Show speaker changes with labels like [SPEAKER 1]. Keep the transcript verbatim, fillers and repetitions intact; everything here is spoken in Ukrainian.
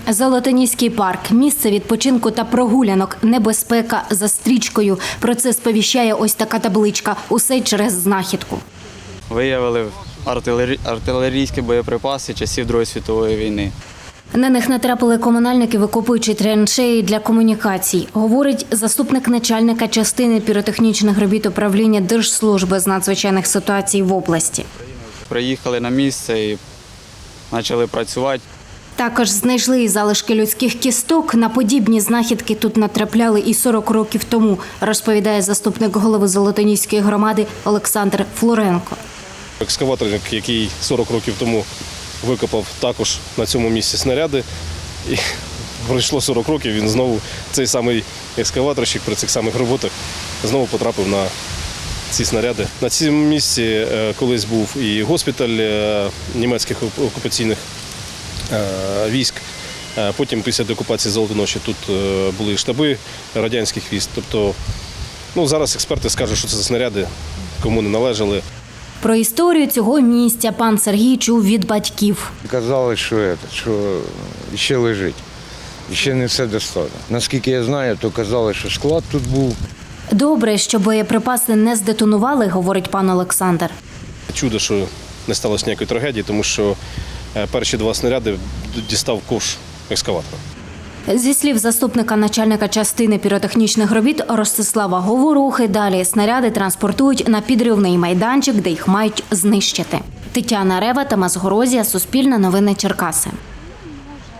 [SPEAKER 1] Золотоніський парк – місце відпочинку та прогулянок, небезпека за стрічкою. Про це сповіщає ось така табличка «Усе через знахідку».
[SPEAKER 2] Виявили артилері... артилерійські боєприпаси часів Другої світової війни.
[SPEAKER 1] На них натрапили комунальники, викопуючи траншеї для комунікацій, говорить заступник начальника частини піротехнічних робіт управління Держслужби з надзвичайних ситуацій в області.
[SPEAKER 2] Приїхали на місце і почали працювати.
[SPEAKER 1] Також знайшли і залишки людських кісток. На подібні знахідки тут натрапляли і сорок років тому, розповідає заступник голови Золотоніської громади Олександр Флоренко.
[SPEAKER 3] Екскаватор, який сорок років тому викопав також на цьому місці снаряди. І пройшло сорок років, він знову, цей самий екскаваторщик при цих самих роботах, знову потрапив на ці снаряди. На цьому місці колись був і госпіталь німецьких окупаційних військ. Потім після деокупації Золотоноші тут були штаби радянських військ. Тобто, ну, зараз експерти скажуть, що це за снаряди, кому не належали.
[SPEAKER 1] Про історію цього місця пан Сергій чув від батьків.
[SPEAKER 4] Казали, що, це, що ще лежить, ще не все достало. Наскільки я знаю, то казали, що склад тут був.
[SPEAKER 1] Добре, що боєприпаси не здетонували, говорить пан Олександр.
[SPEAKER 3] Чудо, що не сталося ніякої трагедії, тому що перші два снаряди дістав ковш екскаватора.
[SPEAKER 1] Зі слів заступника начальника частини піротехнічних робіт Ростислава Говорухи, далі снаряди транспортують на підривний майданчик, де їх мають знищити. Тетяна Рева, Тамас Горозія, Суспільне новини Черкаси.